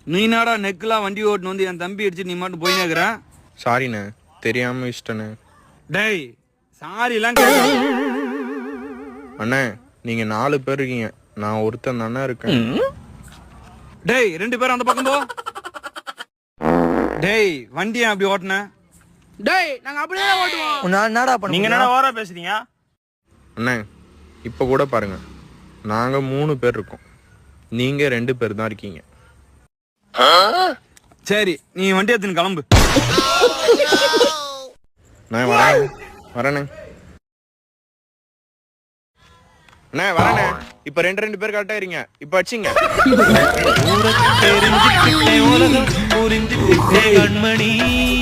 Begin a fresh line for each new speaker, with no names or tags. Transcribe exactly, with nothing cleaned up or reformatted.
நீ நாடா நெக்கெல்லாம் வண்டி ஓட்டுன்னு வந்து என் தம்பி அடிச்சு நீ மட்டும் போய் நேக்குற.
சாரிண்ணே, தெரியாம இஷ்டண்ணே.
டேய் சாரி எல்லாம் கேட்க.
அண்ணே நீங்க நாலு பேர் இருக்கீங்க, நான் ஒருத்தன் தானே இருக்கேன்.
டேய் ரெண்டு பேரும் அந்த பக்கம் போ. டேய் வண்டியை அப்படி ஓட்டுன.
டேய் நாங்க அப்படியே ஓட்டுவோம்.
நான் என்னடா பண்ண
நீங்க என்ன ஓவரா பேசுறீங்க?
அண்ணே இப்ப கூட பாருங்க, நாங்க மூணு பேர் இருக்கோம், நீங்க ரெண்டு பேர் தான் இருக்கீங்க.
சரி நீ வண்டி எடுத்துன்னு கிளம்பு.
நான் வரேன் வரேண்ணே. அண்ணே வரேண்ணே. இப்ப ரெண்டு ரெண்டு பேர் கரெக்டா இருங்க. இப்ப வச்சிங்க
கண்மணி